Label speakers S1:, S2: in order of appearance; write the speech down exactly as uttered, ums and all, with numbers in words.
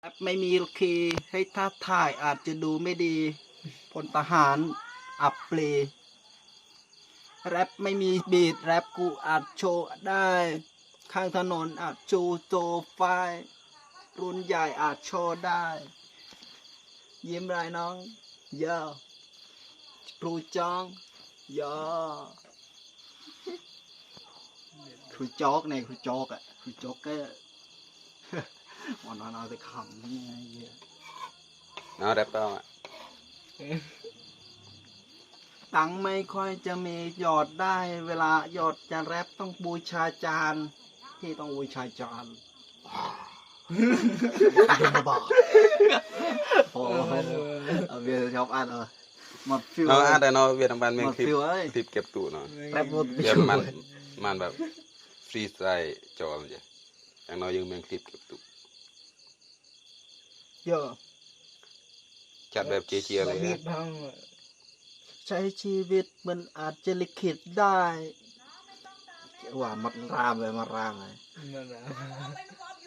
S1: ปไม่มีคีย์ให้ท้าทายอาจจะดูไม่ดีพลทหารอับเปลแรปไม่มีบีทแรปกูอาจโชว์ได้ข้างถนนอาจโชว์โซไฟรุ่นใหญ่อาจโชว์ได้ยิ้มไรน้องเยอะครูจองเยอะครูโจ๊กเนี่ยครูโจ๊กอ่ะครูโจ๊กก็วันนั้นเอาแต่ขำนี่ไงเยอะ
S2: nó đẹp không ạ
S1: ตังค์ไม่ค่อยจะมีหยอดได้เวลาหยอดจะแรปต้องบูชาจานที่ต้องบูชาจานดูมาบอกโอ้เอาเบียร์ชอบอ่านเออหมดฟิว
S2: nó ăn đây nó Việt Nam ban
S1: หม
S2: miền
S1: ดฟิว
S2: clip
S1: เอ้ย
S2: clip kẹp tủ nó
S1: แรปหมด
S2: Việt man manแบบ freestyle จอมจ้ะอย่างน้อยยังเมียนคลิปเก็บตก
S1: เยอะ
S2: จัดแบบเจียๆเลยนะ
S1: ใช้ชีวิตมันอาจจะลิขิตได้ว่ามัดรามเลยมารามเลย